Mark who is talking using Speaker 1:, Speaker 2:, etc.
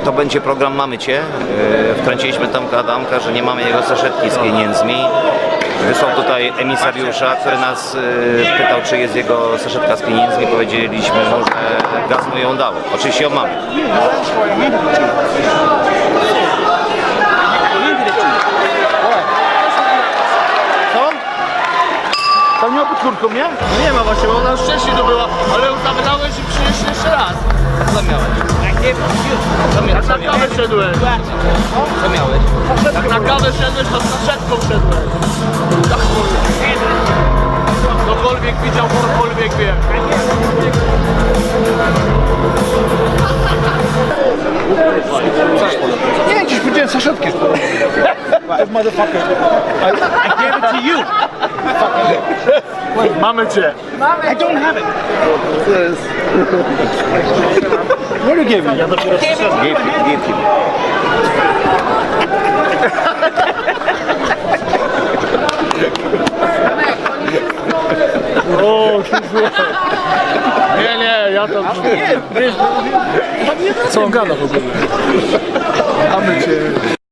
Speaker 1: to będzie program Mamy Cię. Wkręciliśmy Tomka Adamka, że nie mamy jego saszetki z pieniędzmi. Wysłał tutaj emisariusza, który nas pytał, czy jest jego saszetka z pieniędzmi. Powiedzieliśmy mu, że gaz mu ją dał. Oczywiście ją mamy.
Speaker 2: Co? Tam nie ma pod kurtką, nie?
Speaker 3: Nie ma właśnie, bo ona już wcześniej to była, ale ją zabrałeś i przynieś jeszcze raz.
Speaker 1: Co miałeś?
Speaker 3: Jak na kawę szedłeś.
Speaker 1: Co miałeś?
Speaker 3: Jak na kawę szedłeś, to z saszetką szedłeś. Tak ktokolwiek widział, ktokolwiek wie.
Speaker 2: Nie, dziś powiedziałem saszetkę. Motherfucker. I gave it to you.
Speaker 3: Mamy cię.
Speaker 2: I don't have it. What you gave me? Ja dopiero
Speaker 1: Give him.
Speaker 3: O, nie, ja to...
Speaker 2: Co on gada w ogóle? Mamy cię.